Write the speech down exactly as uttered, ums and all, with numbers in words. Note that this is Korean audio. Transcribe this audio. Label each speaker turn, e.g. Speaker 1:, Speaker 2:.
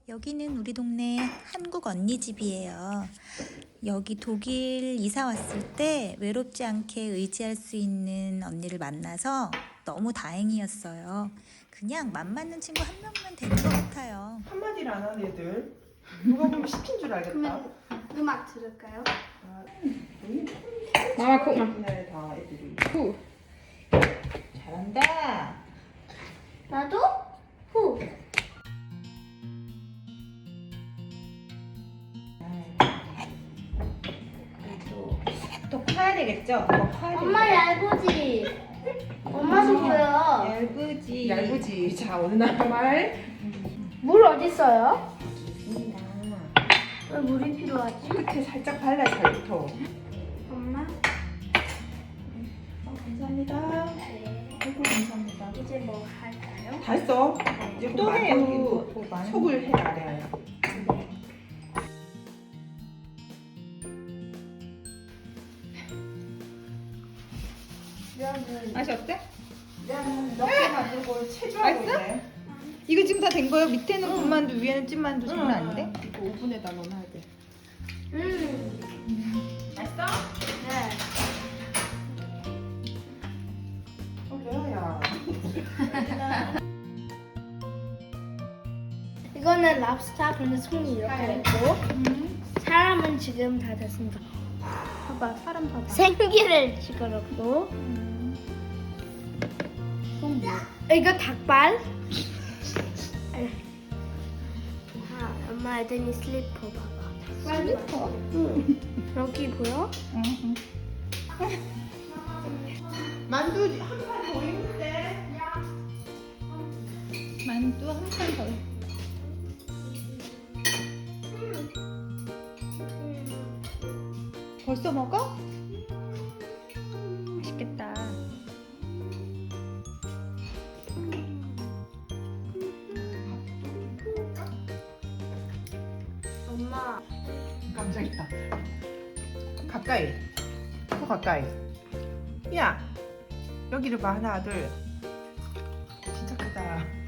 Speaker 1: 여기는 우리 동네 한국 언니 집이에요. 여기 독일 이사 왔을 때 외롭지 않게 의지할 수 있는 언니를 만나서 너무 다행이었어요. 그냥 맘 맞는 친구 한 명만 되는 것 같아요.
Speaker 2: 한마디를 안 하는 애들 누가 보면 시킨 줄 알겠다.
Speaker 3: 그러면 음악 들을까요?
Speaker 2: 아,
Speaker 4: 마마 콕 마.
Speaker 2: 네, 다 애들이
Speaker 4: 후.
Speaker 2: 잘한다.
Speaker 3: 나도 후.
Speaker 2: 또, 또 커야 되겠죠? 더 커야
Speaker 3: 엄마 얇으지? 엄마도 보여.
Speaker 2: 얇으지. 얇으지. 자, 어느 날 말.
Speaker 3: 물 어디 있어요?
Speaker 2: 있습니다.
Speaker 3: 왜 물이 필요하지?
Speaker 2: 끝에 살짝 발라 잘 붙어.
Speaker 3: 엄마.
Speaker 2: 어, 감사합니다.
Speaker 3: 네.
Speaker 2: 아이고 감사합니다.
Speaker 3: 이제 뭐 할까요?
Speaker 2: 다 했어. 이제
Speaker 4: 또 해, 여기
Speaker 2: 또
Speaker 4: 뭐 많은
Speaker 2: 속을 해 아래야. 미안해.
Speaker 4: 맛이 어때?
Speaker 2: 미안해. 몇개 만들고 체조하고
Speaker 4: 맛있어?
Speaker 2: 있네.
Speaker 4: 이거 지금 다 된 거예요? 밑에는 군만두, 위에는 찐만두 장난 안 돼?
Speaker 2: 이거 오븐에다 넣어놔야 돼.
Speaker 3: 음.
Speaker 2: 맛있어?
Speaker 3: 네.
Speaker 2: 어, 레아야.
Speaker 3: 이거는 랍스타, 근데 손이 이렇게 있고 사람은 지금 다 됐습니다.
Speaker 4: 봐봐, 사람 봐봐.
Speaker 3: 생기를 집어넣고 이거 닭발. 아, 엄마 애들이 슬리퍼 봐봐.
Speaker 4: 슬리퍼?
Speaker 3: 응. 여기 보여?
Speaker 4: 응, 응.
Speaker 2: 만두 한 판 더 있는데.
Speaker 4: 만두 한 판 더. 벌써 먹어? 맛있겠다.
Speaker 3: 엄마.
Speaker 2: 깜짝이야. 가까이. 더 가까이. 야, 여기를 봐. 하나, 둘. 진짜 크다.